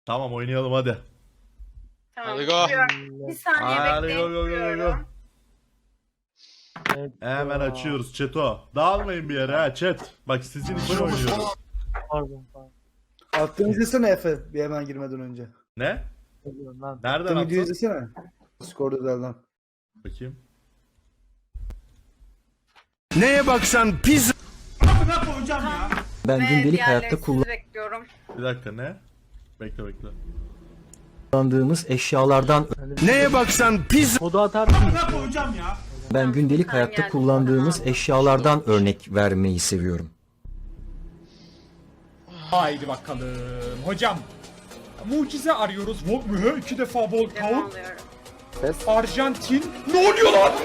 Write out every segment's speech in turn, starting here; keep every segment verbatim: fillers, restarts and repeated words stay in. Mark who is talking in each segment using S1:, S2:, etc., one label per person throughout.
S1: Tamam oynayalım hadi.
S2: Tamam.
S3: Hadi go.
S2: Gidiyorum. Bir saniye
S1: Hadi
S2: bekleyin.
S1: go, go, go, go.
S2: Gidiyorum.
S4: Evet,
S1: Hemen
S4: ya.
S1: açıyoruz Çeto. Dağılmayın bir yere ha chat. Bak sizin için oynuyoruz.
S4: Pardon pardon.
S5: Attığını izlesene Efe bir hemen girmeden önce.
S1: Ne?
S4: Söylüyorum lan.
S1: Nereden
S5: Attığın videoyu
S1: attın?
S5: izlesene. Discord özelden.
S1: Bakayım.
S6: Neye baksan pizza.
S7: Ben
S2: Ve
S7: gündelik
S2: diğerleri
S7: hayatta
S2: sizi bekliyorum.
S1: Bir dakika ne? Bekle bekle.
S7: kullandığımız eşyalardan
S6: Neye baksan pizza.
S4: Kodu atar mısın?
S7: ben gündelik
S2: Tamam,
S7: hayatta
S2: geldim.
S7: kullandığımız
S2: Tamam.
S7: eşyalardan örnek vermeyi seviyorum.
S8: Haydi bakalım. Hocam. Mucize arıyoruz. Vol mühü iki defa
S2: Devam
S8: Volkaut.
S2: alıyorum.
S8: Arjantin. Ne oluyor lan?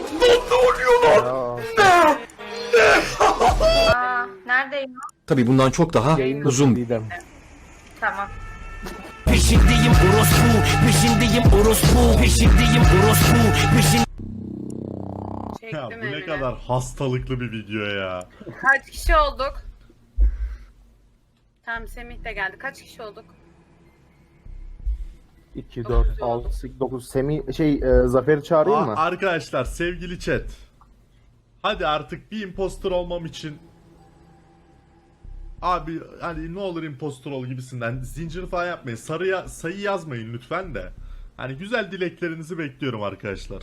S2: Aa, neredeyim?
S7: Tabi bundan çok daha uzun bir
S2: Tamam.
S6: Peşindeyim orospu. Peşindeyim orospu. Peşindeyim orospu. Peşin.
S2: Çektim
S1: Ya bu ne
S2: elini.
S1: kadar hastalıklı bir video ya.
S2: Kaç kişi olduk? Tamam, Semih de geldi. Kaç kişi olduk?
S9: iki, dört, altı, sekiz, dokuz. Semih şey e, Zafer'i çağırayım
S1: Aa,
S9: mı?
S1: arkadaşlar sevgili chat. Hadi artık bir impostor olmam için abi hani ne olur impostor ol gibisinden zincir falan yapmayın. Sarıya sayı yazmayın lütfen de. Hani güzel dileklerinizi bekliyorum arkadaşlar.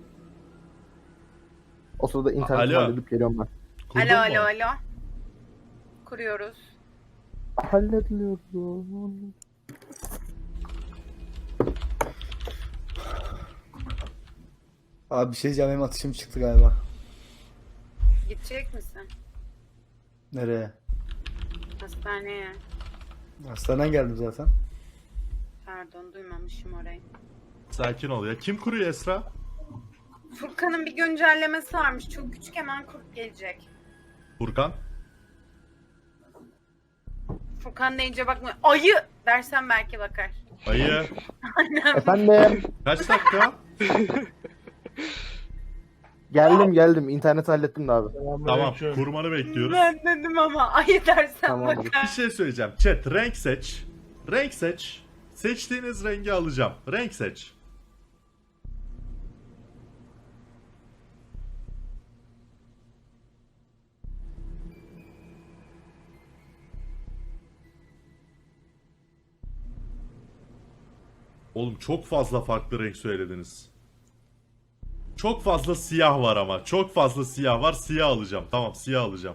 S9: O sırada interneti
S1: Alo.
S9: halledip geliyorum ben.
S1: Kurdun
S2: Alo
S1: mu?
S2: alo alo. Kuruyoruz.
S9: Hallediliyorum.
S5: Abi bir şey diyeceğim, benim atışım çıktı galiba.
S2: Gidecek misin?
S5: Nereye?
S2: Hastaneye.
S5: Hastaneden geldim zaten.
S2: Pardon, duymamışım orayı.
S1: Sakin ol ya. Kim kuruyor Esra?
S2: Furkan'ın bir güncellemesi varmış. Çok küçük, hemen kurt gelecek.
S1: Furkan.
S2: Furkan deyince bakma. Ayı dersen belki bakar.
S1: Ayı.
S2: Aynen.
S9: Efendim.
S1: Kaç dakika?
S9: Geldim geldim. İnterneti hallettim de abi.
S1: Tamam. Kurmanı bekliyoruz.
S2: Ben dedim ama ayı dersen
S9: Tamamdır.
S1: Bir
S2: bakar.
S1: şey söyleyeceğim. Chat renk seç. Renk seç. Seçtiğiniz rengi alacağım. Renk seç. Oğlum çok fazla farklı renk söylediniz. Çok fazla siyah var ama. Çok fazla siyah var. Siyah alacağım. Tamam, siyah alacağım.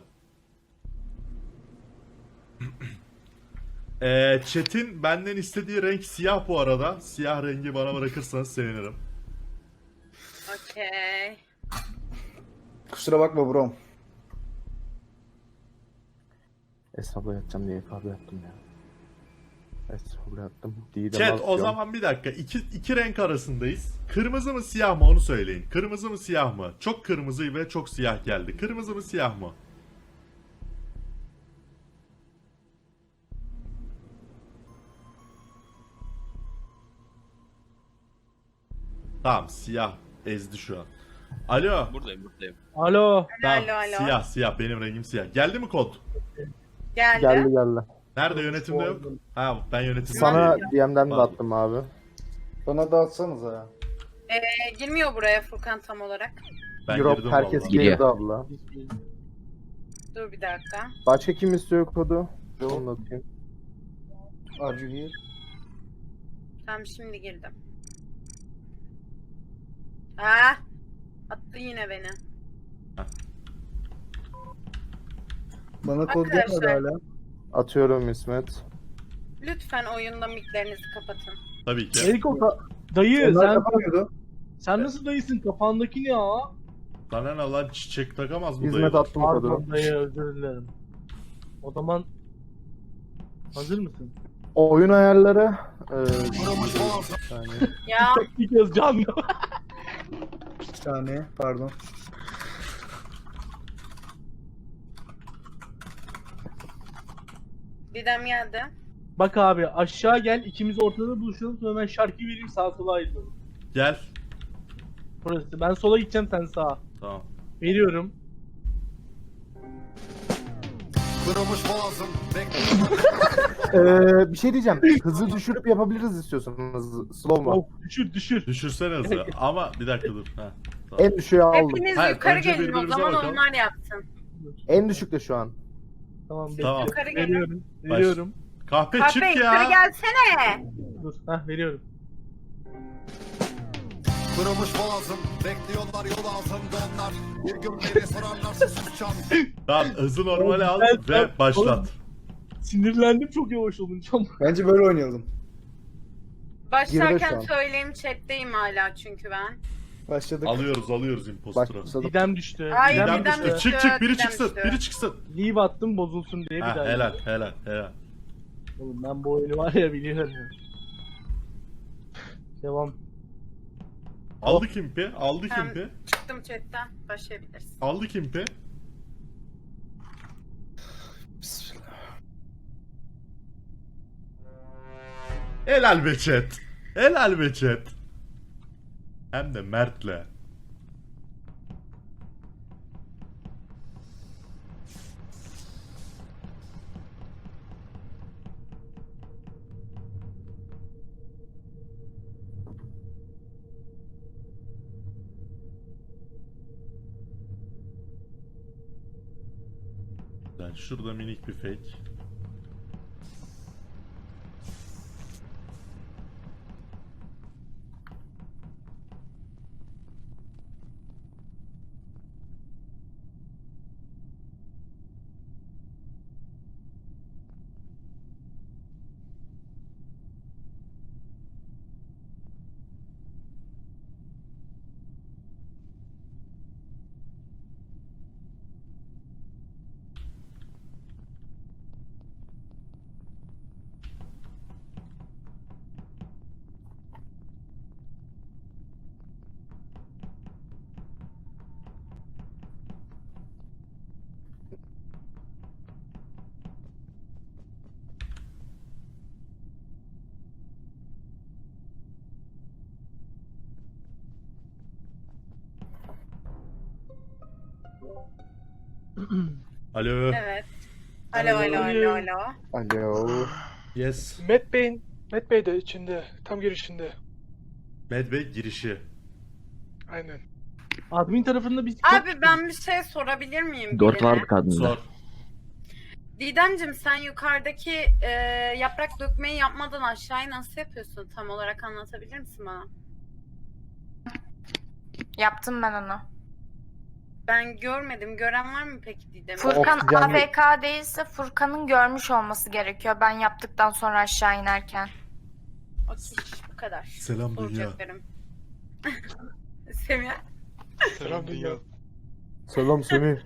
S1: Eee chat'in benden istediği renk siyah bu arada. Siyah rengi bana bırakırsanız sevinirim.
S2: Okey.
S5: Kusura bakma bro.
S9: Esra'la yatacağım diye kahve yaptım ya. Esra'la yattım. Didem
S1: Chat o
S9: atıyorum.
S1: zaman bir dakika. İki, iki renk arasındayız. Kırmızı mı siyah mı onu söyleyin. Kırmızı mı siyah mı? Çok kırmızı ve çok siyah geldi. Kırmızı mı siyah mı? Tamam, siyah ezdi şu an. Alo.
S3: Buradayım buradayım.
S4: Alo.
S1: Tamam,
S2: Alo, alo.
S1: siyah siyah benim rengim siyah. Geldi mi kod?
S2: Geldi.
S9: Geldi geldi.
S1: Nerede yönetimde yok? Ha ben yönetimde.
S9: Sana
S1: değilim.
S9: D M'den de
S1: Pardon.
S9: attım abi.
S5: Bana dağıtsanıza ya.
S2: Ee, girmiyor buraya Furkan tam olarak.
S1: Ben
S9: Europe
S1: girdim
S9: herkes
S1: vallahi.
S9: girdi abla.
S2: Dur bir dakika.
S9: Başka kim istiyor kodu? Onu da atayım.
S5: Are you here?
S2: Tamam, şimdi girdim. Ah! Attı yine beni.
S5: Bana kod gelmedi
S2: Arkadaşlar.
S5: hala.
S9: Atıyorum İsmet.
S2: Lütfen oyunda miklerinizi kapatın.
S1: Tabii ki.
S4: Eriko ka- dayı
S5: Onlar
S4: sen
S5: kapamıyordu.
S4: sen nasıl dayısın? Kafandaki ne ya?
S1: Sana ne lan çiçek takamaz mı
S9: İsmet
S1: dayı?
S9: attım kodu.
S4: Pardon dayı, özür dilerim. O zaman hazır mısın?
S9: Oyun ayarları. Eee bir saniye.
S2: Ya
S4: Bir kez canlı.
S5: Bir saniye pardon.
S2: Didem geldi.
S4: Bak abi aşağı gel, ikimiz ortada buluşalım, sonra ben şarkı vereyim, sağa sola ayrılalım.
S1: Gel.
S4: Burası. Ben sola gideceğim, sen sağa.
S1: Tamam.
S4: Veriyorum.
S9: Ee, bir şey diyeceğim. Hızı düşürüp yapabiliriz istiyorsanız. Slow mo.
S4: Oh, düşür düşür.
S1: Düşürsene hızı. Ama bir dakika dur. Ha, tamam.
S9: En düşüğe aldım.
S2: Hepiniz
S1: Hayır,
S2: yukarı
S1: önce
S2: gelin o
S1: birbirimize
S2: zaman
S1: bakalım.
S2: onlar yapsın.
S9: En düşükte şu an.
S4: Tamam,
S1: Tamam.
S4: bekle.
S2: Yukarı gelin.
S4: Veriyorum. Veriyorum.
S1: Kahpe
S2: Kahpe
S1: çık
S2: yukarı
S1: ya.
S2: gelsene.
S4: Dur. Hah veriyorum.
S1: Tamam hızı normale al
S4: Ben- ben-
S1: ve başlat.
S4: Sinirlendim çok yavaş olunca.
S5: Bence böyle oynayalım.
S9: Girdi şu
S2: Başlarken
S9: an.
S2: söyleyeyim chatteyim hala çünkü ben.
S5: Başladık.
S1: Alıyoruz alıyoruz imposter'ı.
S9: Başladım.
S4: Didem düştü.
S2: Ay,
S4: Didem
S1: Didem
S2: Didem
S1: düştü.
S2: düştü,
S1: Çık çık biri
S2: Didem
S1: çıksın.
S2: düştü.
S1: Biri çıksın.
S4: Leave attım bozulsun diye bir
S1: Ha,
S4: daha.
S1: helal helal helal.
S4: Oğlum ben bu oyunu var ya biliyorum. Devam.
S1: Aldık impi. Aldık
S2: Tamam.
S1: impi.
S2: Çıktım chatten. Başlayabilirsin.
S1: Aldık impi.
S5: Bismillah.
S1: Helal be chat. Helal be chat. Hem de Mert'le. Yani şurada minik bir fake. Alo.
S2: Evet. Alo alo alo alo.
S9: Alo.
S1: Yes.
S3: Met Bey'in, Met Bey de içinde, tam girişinde.
S1: Med Bey girişi.
S3: Aynen.
S4: Admin tarafında biz
S2: Abi ben bir şey sorabilir miyim?
S7: Dört
S2: birine?
S7: vardı kadında.
S1: Sor.
S2: Didemciğim sen yukarıdaki e, yaprak dökmeyi yapmadan aşağıyı nasıl yapıyorsun? Tam olarak anlatabilir misin bana?
S10: Yaptım ben onu.
S2: Ben görmedim. Gören var mı peki Didem'i?
S10: Furkan
S9: Oksijen
S10: A F K değilse Furkan'ın görmüş olması gerekiyor ben yaptıktan sonra aşağı inerken.
S2: Okey, bu kadar.
S1: Selam dünya.
S2: Soracaklarım. Semih.
S3: Selam dünya.
S9: Selam Semih.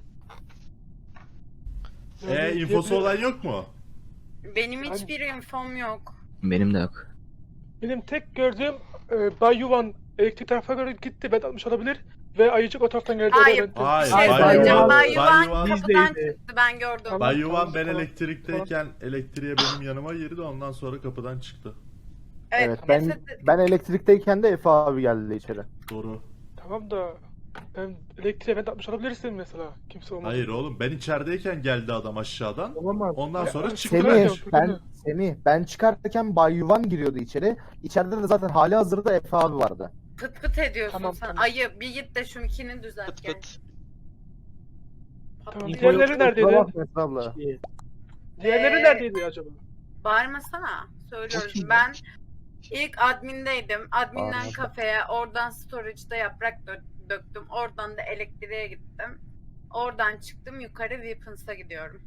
S1: E infosu olan yok mu?
S2: Benim hiçbir infom yok.
S7: Benim de yok.
S3: Benim tek gördüğüm e, Bay Yuvan elektrik tarafa göre gitti, ben atmış olabilir. Ve Ayıcık o taraftan geldi.
S2: Hayır.
S3: o da ben-
S1: Hayır.
S2: Bir şey
S1: Bay
S2: söyleyeceğim.
S1: Yuvan-
S2: Bay
S1: Bay
S2: Yuvan
S1: Yuvan-
S2: kapıdan
S4: Bizdeydi.
S2: çıktı. Ben gördüm.
S3: Tamam.
S1: Bay Yuvan ben
S3: tamam.
S1: elektrikteyken elektriğe benim yanıma girdi ondan sonra kapıdan çıktı.
S2: Evet.
S9: Evet, ben
S2: ceset-
S9: ben elektrikteyken de Efe abi geldi içeri.
S1: Doğru.
S3: Tamam da ben elektriğe ben atmış olabilirsin mesela. Kimse olmaz.
S1: Hayır oğlum ben içerideyken geldi adam aşağıdan.
S4: Olamaz.
S1: Ondan sonra
S3: Ya,
S1: çıktı.
S3: Semih-
S9: Semih,
S3: Furkan
S9: ben
S3: yok.
S9: Semih, ben çıkarken Bay Yuvan giriyordu içeri. İçeride de zaten hali hazırda Efe abi vardı.
S2: Pıt pıt ediyorsun
S3: Tamam,
S2: sen.
S3: tamam.
S2: Ayı bir git de şunkini düzelt gel.
S3: Tamam.
S4: İnfo
S3: Diğerleri
S4: yok,
S3: neredeydi?
S9: Kusura bakma Efe abla.
S4: Şey,
S3: Diğerleri
S2: Ee,
S3: neredeydi acaba?
S2: Bağırmasana. Söylüyorum.
S7: Bakayım
S2: Ben ilk admindeydim. Adminden
S9: Bağırma.
S2: kafeye, oradan storage'da yaprak dö- döktüm. Oradan da elektriğe gittim. Oradan çıktım yukarı Weapons'a gidiyorum.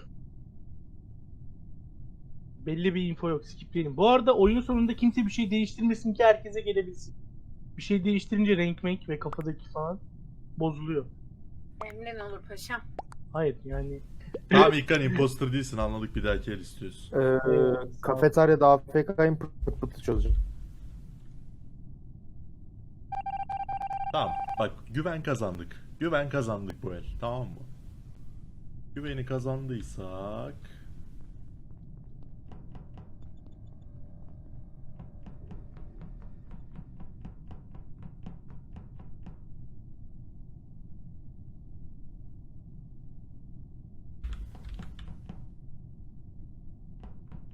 S4: belli bir info yok. Skipleyelim. Bu arada oyunun sonunda kimse bir şey değiştirmesin ki herkese gelebilsin. Bir şey değiştirince renk menk ve kafadaki falan bozuluyor.
S2: Emrin olur paşam.
S4: Hayır yani
S1: Tamam İlkan imposter değilsin anladık bir dahaki el istiyorsun.
S9: Ee, kafeteryada A F K'yım pıt pıt pıt çözeceğim.
S1: Tamam bak güven kazandık. Güven kazandık bu el tamam mı? Güveni kazandıysak...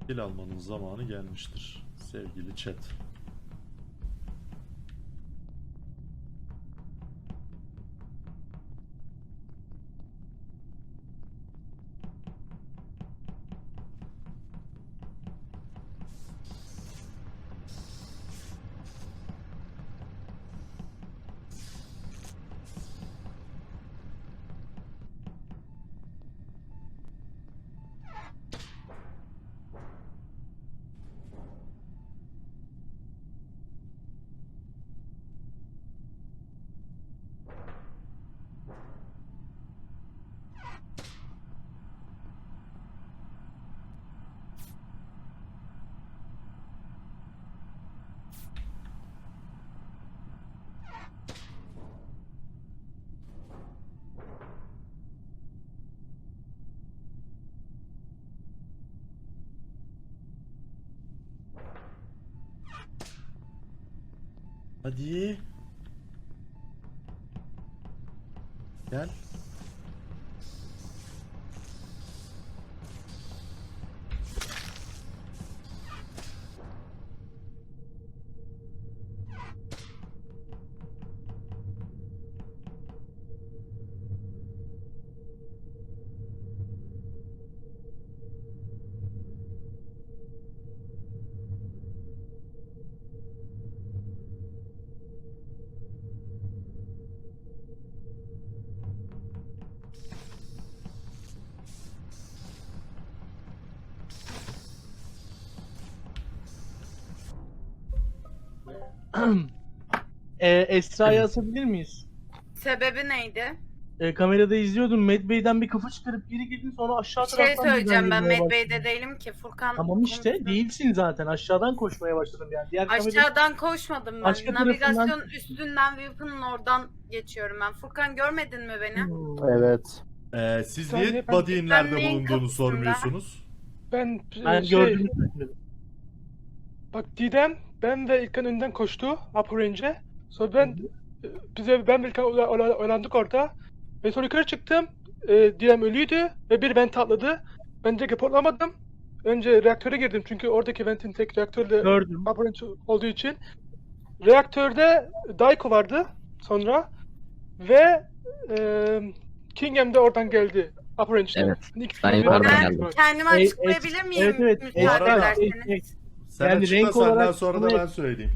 S1: Dil almanın zamanı gelmiştir sevgili chat. Hadi. Gel.
S4: e, Esra'yı asabilir miyiz?
S2: Sebebi neydi?
S4: E, kamerada izliyordum. Medbay'den bir kafa çıkarıp geri girdin, sonra aşağı
S2: Bir şey
S4: taraftan
S2: söyleyeceğim, ben
S4: düzenlemeye
S2: Medbay'de
S4: başladın.
S2: değilim ki Furkan.
S4: Tamam işte
S2: konuşsun.
S4: değilsin zaten. Aşağıdan koşmaya başladım yani. Diğer kamera...
S2: Aşağıdan koşmadım ben.
S4: Başka
S2: Navigasyon
S4: tarafından-
S2: üstünden Weapon'ın oradan geçiyorum ben. Furkan görmedin mi beni?
S4: Hmm.
S9: Evet.
S1: Ee, siz
S3: Bir saniye,
S1: niye
S3: ben-
S1: body'in
S2: ben
S1: nerede
S2: neyin
S1: bulunduğunu
S2: kapısında?
S1: sormuyorsunuz?
S3: Ben,
S4: Ben
S3: şey,
S4: gördüm. Gördüm.
S3: bak Didem, ben ve İlkan önden koştu Upper Range'e. Sonra ben, bize ben ve İlkan ola- ola- oyalandık orada. Ve sonra yukarı çıktım. E, Didem ölüydü ve bir vent atladı. Ben direkt reportlamadım. Önce reaktöre girdim çünkü oradaki ventin tek reaktörle
S4: Gördüm.
S3: Upper Range olduğu için. Reaktörde Daiko vardı sonra. Ve e, Kingham de oradan geldi. Upper Range'den.
S11: Evet.
S3: Hani ikisi
S11: Ben
S3: de-
S11: yukarıdan
S2: Ben
S11: geldim.
S2: kendimi
S4: E,
S2: açıklayabilir
S4: e,
S2: miyim?
S4: evet, evet.
S2: Müsaade
S1: Bu arada-
S2: ederseniz.
S1: Sen
S4: Yani
S1: açıkla,
S4: renk
S1: senden
S4: olarak
S1: sonra da
S4: bunu-
S1: ben söyleyeyim.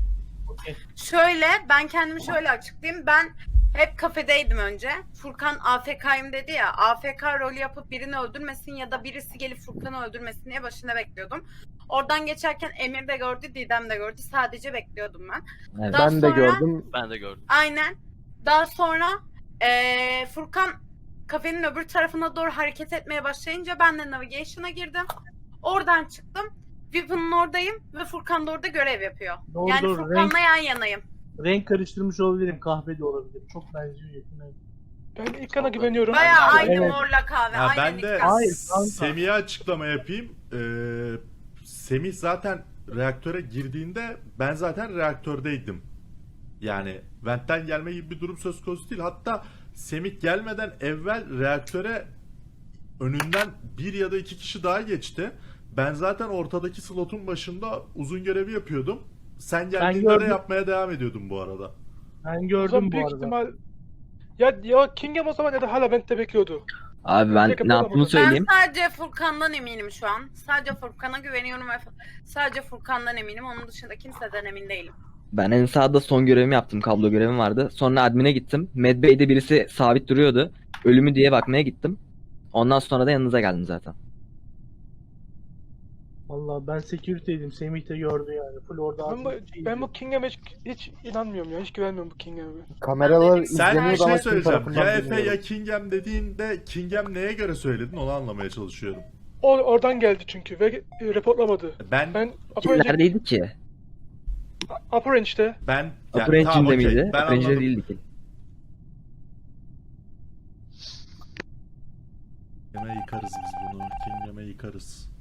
S2: Şöyle, ben kendimi şöyle açıklayayım. Ben hep kafedeydim önce. Furkan A F K'yım dedi ya. A F K rolü yapıp birini öldürmesin ya da birisi gelip Furkan'ı öldürmesin diye başında bekliyordum. Oradan geçerken Emir de gördü, Didem de gördü. Sadece bekliyordum ben.
S11: Evet.
S2: Daha
S9: Ben de
S2: sonra-
S9: gördüm.
S12: Ben de gördüm.
S2: Aynen. Daha sonra eee, Furkan kafenin öbür tarafına doğru hareket etmeye başlayınca ben de navigation'a girdim. Oradan çıktım. Weapon'ın oradayım ve Furkan da orada görev yapıyor.
S4: Doğru,
S2: yani
S4: doğru.
S2: Furkan'la
S4: Renk-
S2: yan yanayım.
S4: Renk karıştırmış olabilirim. Kahve de olabilir. Çok benziyor yakına.
S3: Ben İlkan'a güveniyorum.
S2: Bayağı aynı
S4: Evet.
S2: morla kahve.
S1: Ha,
S2: aynen
S1: ben de
S2: İlkan.
S4: Hayır, kanka.
S1: Semih'e açıklama yapayım. Ee, Semih zaten reaktöre girdiğinde ben zaten reaktördeydim. Yani ventten gelme gibi bir durum söz konusu değil. Hatta Semih gelmeden evvel reaktöre önünden bir ya da iki kişi daha geçti. Ben zaten ortadaki slotun başında uzun görevi yapıyordum. Sen geldiğinde de
S4: gördüm.
S1: yapmaya devam ediyordum bu arada.
S4: Ben
S3: O zaman
S4: gördüm bu
S3: büyük
S4: arada.
S3: ihtimal ya ya Kingham o zaman ya da hala vent'te bekliyordu.
S11: Abi ben
S3: Direkt
S11: ne yaptığımı
S3: yapamadım.
S11: söyleyeyim.
S2: Ben sadece Furkan'dan eminim şu an. Sadece Furkan'a güveniyorum ve sadece Furkan'dan eminim. Onun dışında kimseden emin değilim.
S11: Ben en sağda son görevimi yaptım. Kablo görevim vardı. Sonra admin'e gittim. Medbay'de birisi sabit duruyordu. Ölümü diye bakmaya gittim. Ondan sonra da yanınıza geldim zaten.
S4: Vallahi ben security'ydim. Semih de gördü yani. Full orada
S3: Ben bu,
S4: aslında şey
S3: ben bu Kingham'e hiç, hiç inanmıyorum ya. Hiç güvenmiyorum bu Kingham'e.
S9: Kameralar
S1: Sen
S9: izleniyor
S1: bir şey
S9: ama kim
S1: söyleyeceğim.
S9: tarafından
S1: Ya Efe
S9: bilmiyorum.
S1: ya Kingham dediğinde Kingham neye göre söyledin onu anlamaya çalışıyorum.
S3: O oradan geldi çünkü ve e, reportlamadı.
S1: Ben
S3: Ben Upper Range,
S11: Neredeydi ki?
S3: Upper Range'de.
S1: ben yani,
S11: Upper
S1: tamam,
S11: Engine'de
S1: okey,
S11: miydi?
S1: ben
S11: Upper Engine'de
S1: anladım.
S11: değildi ki.
S1: Kingham'e yıkarız biz bunu. Kingham'e yıkarız.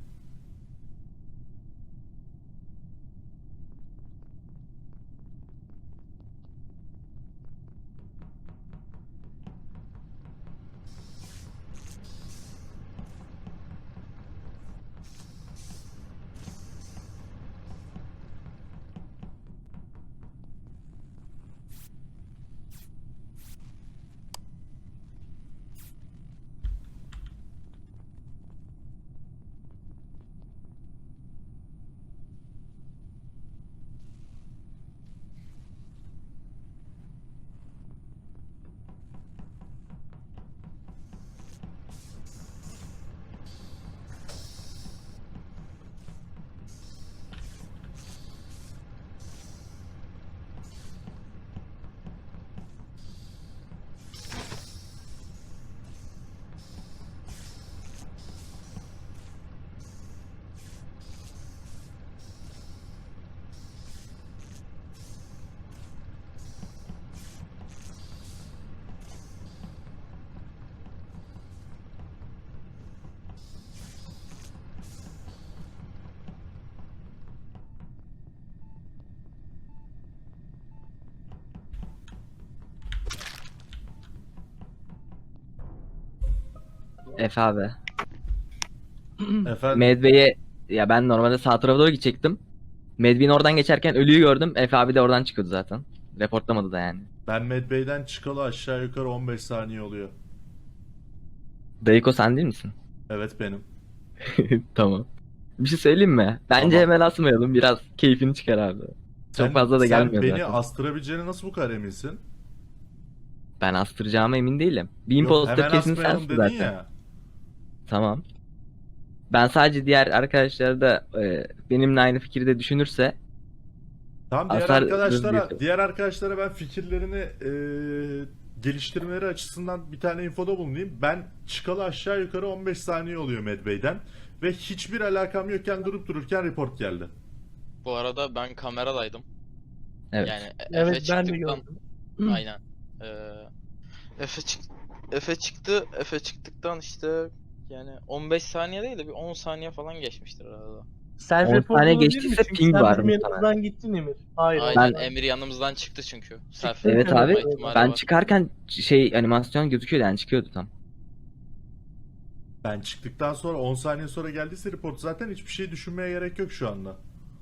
S11: Efe abi.
S1: Efendim?
S11: Medbay'e ya ben normalde sağ tarafa doğru gidecektim. Medbay'in oradan geçerken ölüyü gördüm. Efe abi de oradan çıkıyordu zaten. Reportlamadı da yani.
S1: Ben Medbay'den çıkalı aşağı yukarı on beş saniye oluyor.
S11: Dayıko sen değil misin?
S1: Evet benim.
S11: Tamam. Bir şey söyleyeyim mi? Bence
S1: Tamam.
S11: hemen asmayalım. Biraz keyfini çıkar abi. Çok
S1: Sen-
S11: fazla da gelmiyor
S1: Sen beni
S11: zaten.
S1: astırabileceğine nasıl bu kadar eminsin?
S11: Ben astıracağıma emin değilim. Bir
S1: Yok,
S11: imposter
S1: hemen
S11: kesin
S1: asmayalım
S11: sensin
S1: dedin
S11: zaten.
S1: ya.
S11: Tamam. Ben sadece diğer arkadaşlar da e, benimle aynı fikirde düşünürse
S1: Tamam, diğer
S11: Asar-
S1: arkadaşlara
S11: Özgür.
S1: diğer arkadaşlara ben fikirlerini eee, geliştirmeleri açısından bir tane infoda bulunayım. Ben çıkalı aşağı yukarı on beş saniye oluyor Medbay'den ve hiçbir alakam yokken durup dururken report geldi.
S12: Bu arada ben kameradaydım.
S11: evet.
S12: Yani Efe
S4: Evet ben de
S12: çıktıktan
S4: gördüm.
S12: aynen. Ee, Efe çık Efe çıktı. Efe çıktıktan işte yani on beş saniye değil de bir on saniye falan geçmiştir arada.
S4: Self
S11: on
S4: report
S11: saniye
S4: olabilir mi?
S11: geçtiyse
S4: Çünkü
S11: ping
S4: sen
S11: var
S4: benim
S11: muhtemelen.
S4: yanımdan gittin Emir. Hayır.
S12: Aynen
S11: Ben-
S12: Emir yanımızdan çıktı çünkü. Self
S11: Evet
S12: report
S11: abi.
S12: olma ihtimali
S11: Ben
S12: var.
S11: çıkarken şey animasyon gözüküyordu yani çıkıyordu tam.
S1: Ben çıktıktan sonra on saniye sonra geldiyse report, zaten hiçbir şey düşünmeye gerek yok şu anda.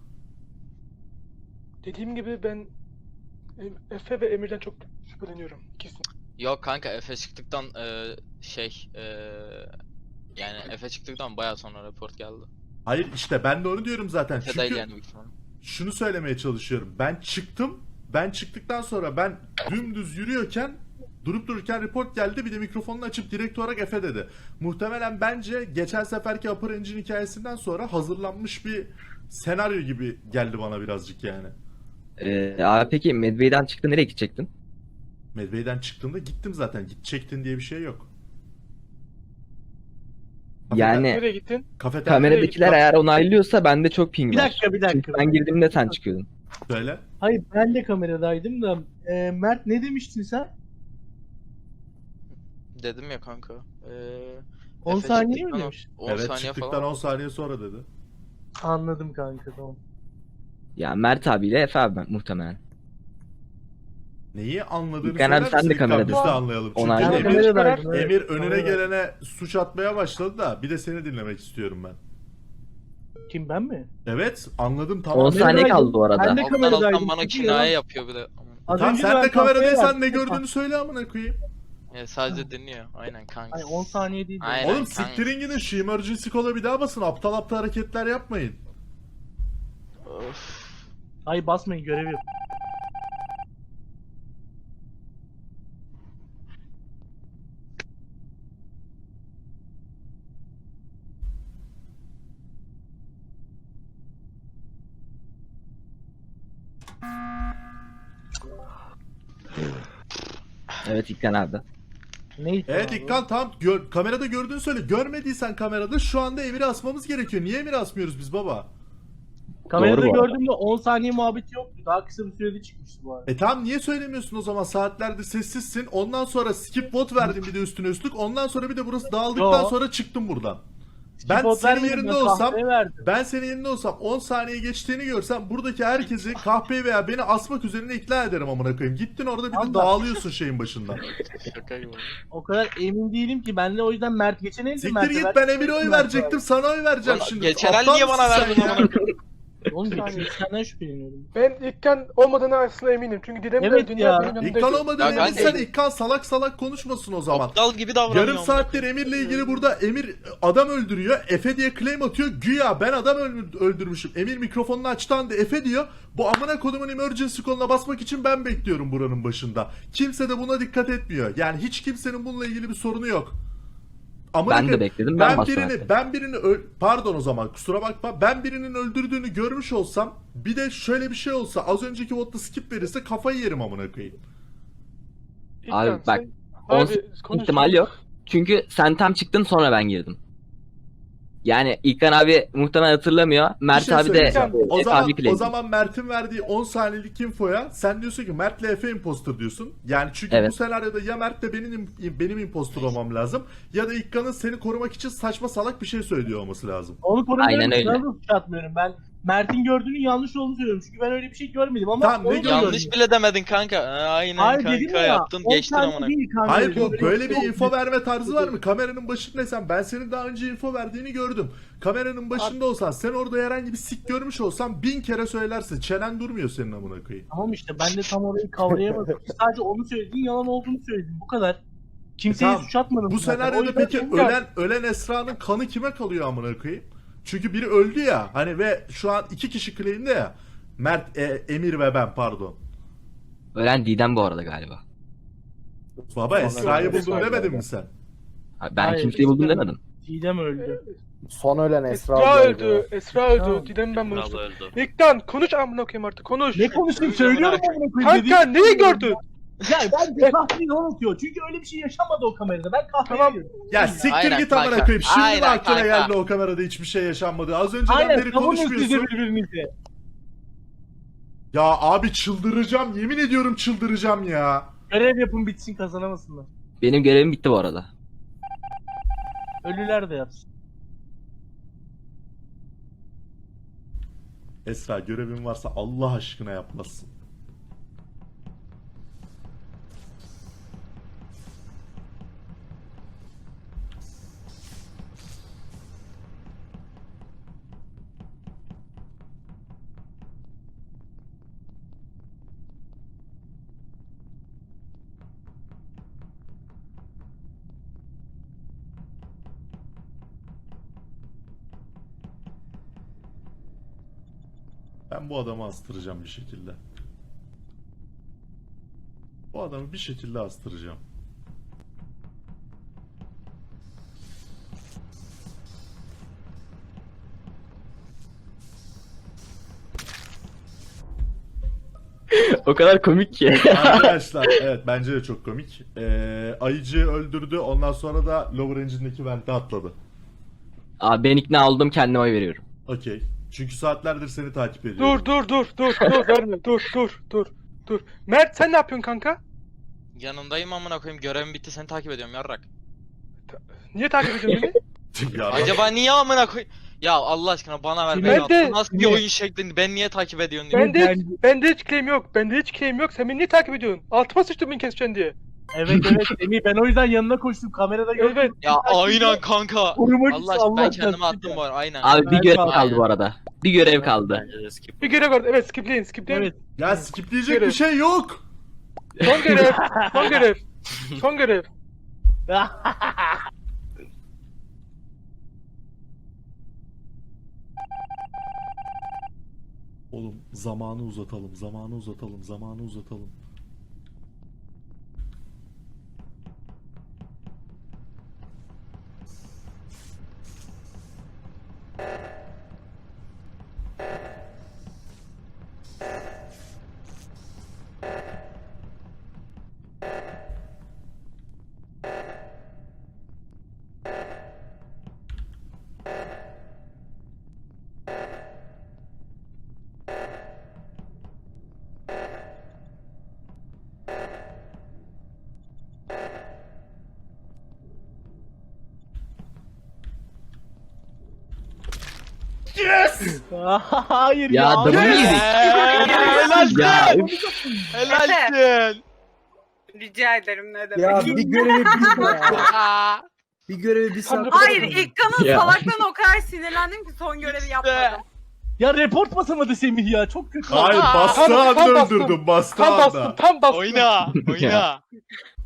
S3: Dediğim gibi ben e, Efe ve Emir'den çok şüpheleniyorum. İkisi.
S12: Yok kanka Efe çıktıktan e, şey e, yani Efe çıktıktan bayağı sonra report geldi.
S1: Hayır, işte ben de onu diyorum zaten.
S12: Efe değil
S1: Çünkü
S12: yani büyük ihtimalle.
S1: şunu söylemeye çalışıyorum. Ben çıktım. Ben çıktıktan sonra ben dümdüz yürüyorken durup dururken report geldi. Bir de mikrofonunu açıp direkt olarak Efe dedi. Muhtemelen bence geçen seferki Upper Engine hikayesinden sonra hazırlanmış bir senaryo gibi geldi bana birazcık yani.
S11: Ee, abi peki Medbay'den çıktı nereye gidecektin?
S1: Medbay'den çıktığımda gittim zaten. Gidecektin diye bir şey yok.
S11: Yani
S3: Nereye gittin?
S1: Kafeterya
S11: kameradakiler eğer onaylıyorsa bende çok ping
S4: Bir
S11: var.
S4: dakika bir dakika.
S11: Çünkü ben girdiğimde sen çıkıyordun.
S1: söyle.
S4: Hayır ben de kameradaydım da e, Mert ne demiştin sen?
S12: Dedim ya kanka. E,
S4: on
S12: Efe
S4: saniye mi
S12: çıktıktan
S4: demiş?
S12: on
S1: Evet,
S12: saniye
S1: çıktıktan
S12: falan.
S1: on saniye sonra dedi.
S4: Anladım kanka tamam.
S11: Ya Mert abiyle Efe abi muhtemelen.
S1: Neyi anladığını
S11: İlkan abi
S1: söyler
S11: sen
S1: misin?
S11: de
S1: İlkan?
S11: kameradasın.
S1: Biz de anlayalım. Çünkü
S11: Onaylı.
S4: Ben
S1: Emir,
S4: kameradaydım. evet,
S1: Emir önüne
S4: kameradaydım.
S1: gelene suç atmaya başladı da bir de seni dinlemek istiyorum ben.
S4: Kim ben mi?
S1: Evet, anladım
S11: on
S1: tamam.
S11: saniye kaldı bu arada.
S4: Ben de
S12: Alttan
S4: kameradaydım,
S12: alttan bana
S4: çünkü
S12: kinaye
S4: yalan-
S12: yapıyor bir de.
S4: Az
S1: Tamam,
S4: önce
S1: sen
S4: ben
S1: de kameradaysan
S4: kafeye
S1: ne
S4: yattım.
S1: gördüğünü söyle amına koyayım.
S12: Yani sadece dinliyor. Aynen kanka.
S4: Hani on saniye değil. de.
S12: Aynen.
S1: Oğlum
S12: kanka.
S1: siktirin gidin, şu emergency call'a bir daha basın. Aptal aptal hareketler yapmayın.
S12: Of.
S4: Hayır basmayın görev yok.
S11: Evet İlkan abi.
S4: Neyse.
S1: Evet
S4: abi.
S1: İlkan, tamam, gör, kamerada gördüğünü söyle. Görmediysen kamerada şu anda Emir'i asmamız gerekiyor. Niye Emir'i asmıyoruz biz baba?
S4: Kamerada
S11: Doğru bu arada.
S4: gördüğümde on saniye muhabbeti yoktu. Daha kısa bir sürede çıkmıştı bu arada.
S1: E tamam, niye söylemiyorsun o zaman? Saatlerdir sessizsin. Ondan sonra skip vote verdin bir de üstüne üstlük. Ondan sonra bir de burası dağıldıktan
S4: Yo.
S1: sonra çıktım buradan.
S4: Skip
S1: Ben
S4: vote
S1: senin
S4: vermedim,
S1: yerinde
S4: ben
S1: olsam
S4: kahveye verdim.
S1: Ben senin yerinde olsam on saniye geçtiğini görsem buradaki herkesi kahpeyi veya beni asmak üzerine ikna ederim amına koyayım. Gittin orada bir de
S4: Allah.
S1: dağılıyorsun şeyin başından.
S12: Şaka gibi.
S4: O kadar emin değilim ki. Ben de o yüzden Mert geçen elde
S1: Siktir
S4: Mert'e
S1: git,
S4: verdim.
S1: ben Emir'e oy
S4: Mert'e
S1: verecektim, sana oy vereceğim
S12: Ulan
S1: şimdi.
S12: geçen el
S1: Aptal
S12: niye bana
S1: mısın sen
S12: verdin
S1: ya?
S12: amına
S4: Oğlum geçen senden şüpheleniyorum.
S3: Ben İlkan olmadığına aslında eminim. Çünkü Didem
S4: Evet
S3: de
S4: ya.
S3: dünya benim yanımdaydı.
S1: İlkan olmadı
S12: Ya
S1: emin
S12: kanka-
S1: sen İlkan salak salak konuşmasın o zaman.
S12: Aptal gibi davranıyor.
S1: Yarım saattir Emir'le ilgili burada Emir adam öldürüyor. Efe diye claim atıyor. Güya ben adam öldür- öldürmüşüm. Emir mikrofonunu açtı anda Efe diyor. Bu amına kodumun emergency koluna basmak için ben bekliyorum buranın başında. Kimse de buna dikkat etmiyor. Yani hiç kimsenin bununla ilgili bir sorunu yok. Amına
S11: Ben de
S1: koyayım,
S11: bekledim, ben
S1: Ben
S11: bastım
S1: birini
S11: zaten.
S1: ben birini öl- pardon o zaman kusura bakma. Ben birinin öldürdüğünü görmüş olsam, bir de şöyle bir şey olsa, az önceki votta skip verirse kafayı yerim amına koyayım.
S3: İlkan,
S11: Abi bak,
S3: sen-
S11: on
S3: Abi, konuş.
S11: ihtimal yok. Çünkü sen tam çıktın sonra ben girdim. Yani İlkan abi muhtemelen hatırlamıyor. Mert
S1: şey
S11: abi de
S1: söyleyeceğim. o
S11: Efe
S1: zaman
S11: abi
S1: o
S11: claim.
S1: zaman Mert'in verdiği on saniyelik infoya sen diyorsun ki Mert'le Efe imposter diyorsun. Yani çünkü
S11: Evet.
S1: bu senaryoda ya Mert'le benim im- benim imposter olmam lazım ya da İlkan'ın seni korumak için saçma salak bir şey söylüyor olması lazım.
S4: Onu korumuyorum.
S11: Aynen öyle.
S4: Sana da suç atmıyorum. Ben Mert'in gördüğünün yanlış olduğunu söylüyorum. Çünkü ben öyle bir şey görmedim ama
S1: Tamam, ne
S4: onu da
S1: gördün?
S12: Yanlış
S4: gördüm.
S12: bile demedin kanka. Ha, aynen
S4: Hayır
S12: kanka
S4: dedim ya.
S12: yaptın
S4: on
S12: geçtin
S4: saniye
S12: amına.
S4: değil kanka.
S1: Hayır bu
S4: Böyle
S1: böyle bir
S4: yok.
S1: info verme tarzı var mı? Kameranın başındaysan ben senin daha önce info verdiğini gördüm. Kameranın başında olsan sen orada herhangi bir sik görmüş olsan bin kere söylersin. Çenen durmuyor senin amına koyayım.
S4: Tamam işte ben de tam orayı kavrayamadım. Sadece onu söylediğin yalan olduğunu söyledim. Bu kadar. Kimseye
S1: E tamam,
S4: suç atmadım.
S1: Bu
S4: zaten. O
S1: senaryoda
S4: yüzden
S1: peki
S4: çok-
S1: ölen ölen Esra'nın kanı kime kalıyor amına koyayım? Çünkü biri öldü ya hani ve şu an iki kişi claim'de ya. Mert, e, Emir ve ben pardon.
S11: Ölen Didem bu arada galiba.
S1: Baba
S5: Sonra
S1: Esra'yı
S5: Esra
S1: buldum demedin
S5: geldi.
S1: mi sen?
S11: Ha, Ben
S4: Hayır,
S11: kimseyi buldum
S4: işte-
S11: demedim.
S4: Didem öldü.
S9: Son ölen Esra,
S3: Esra
S9: ablaydı.
S3: öldü. Esra öldü.
S4: Tamam.
S3: Didem ben bunu.
S12: öldü.
S3: İlkten konuş amına koyayım artık konuş.
S4: Ne konuşayım söylüyorum amına koyayım
S3: Kanka
S4: dedim.
S3: neyi gördün?
S4: Ya bence kahveyi unutuyor. Çünkü öyle bir şey yaşamadı o kamerada. Ben kahveyi
S3: Tamam.
S4: gördüm.
S1: Ya siktir
S12: Aynen
S1: git amına
S12: kanka.
S1: koyayım. Şimdi mi
S12: Aynen
S1: aklına
S12: kanka.
S1: geldi o kamerada hiçbir şey yaşanmadı? Az önceden
S4: Aynen
S1: beri
S4: savunun siz de
S1: konuşmuyorsun.
S4: birbirinizi.
S1: Ya abi çıldıracağım. Yemin ediyorum çıldıracağım ya.
S4: Görev yapın bitsin kazanamasınlar.
S11: Benim görevim bitti bu arada.
S4: Ölüler de yapsın.
S1: Esra görevin varsa Allah aşkına yapmazsın. Ben bu adamı astıracağım bir şekilde. Bu adamı bir şekilde astıracağım.
S11: O kadar komik ki.
S1: Arkadaşlar evet bence de çok komik. Ee, Ayıcı'yı öldürdü ondan sonra da Lower Engine'deki vente atladı.
S11: Abi ben ikna oldum, kendime oy veriyorum.
S1: Okey. Çünkü saatlerdir seni takip ediyorum.
S3: Dur dur dur dur dur verme dur dur dur dur. Mert sen ne yapıyorsun kanka?
S12: Yanındayım amına koyayım. Görevim bitti seni takip ediyorum yarrak.
S3: Niye takip ediyorsun beni?
S1: Ya,
S12: Acaba niye amına koy? Ya Allah aşkına bana ver.
S3: Ben
S12: Ben
S3: de-
S12: nasıl bir oyun şeklinde ben niye takip ediyorsun diye.
S3: Bende hiç, bende hiç claim yok. Bende hiç claim yok. Sen beni niye takip ediyorsun? Altıma sıçtım beni keseceksin diye.
S4: Evet evet Semih ben o yüzden yanına koştum kamerada gördüm.
S3: Evet.
S12: Ya aynen kanka.
S4: Korumak için
S12: Allah aşkına ben
S4: Allah
S12: kendime
S4: aşkına.
S12: attım bu arada aynen.
S11: Abi bir
S4: Ben
S11: görev
S4: kaldım.
S11: kaldı bu arada. Bir görev kaldı.
S3: Bir görev var. Evet skipleyin skipleyin.
S4: Evet.
S1: ya skipleyecek
S3: Görev.
S1: bir şey yok.
S3: Son görev. Son görev. Son görev.
S1: Oğlum zamanı uzatalım, zamanı uzatalım, zamanı uzatalım.
S4: Hayır ya.
S11: Ya adamı
S4: Hayır.
S11: yedik.
S12: Helal
S11: Ya
S12: Helalsin.
S2: Rica ederim ne demek.
S5: Ya bir görevi bir ya. Bir görevi bir saat.
S2: Hayır İlkan'ın
S11: Ya.
S2: salaklığına o kadar sinirlendim ki son görevi yapmadım.
S4: Ya report basamadı Semih ya çok kötü.
S1: Hayır
S12: Aa,
S1: bastığı
S3: tam- tam
S1: anda
S3: bastım.
S1: öldürdüm, bastığı
S3: Tam
S1: anda.
S3: bastım tam bastım.
S12: Oyna. Oyna.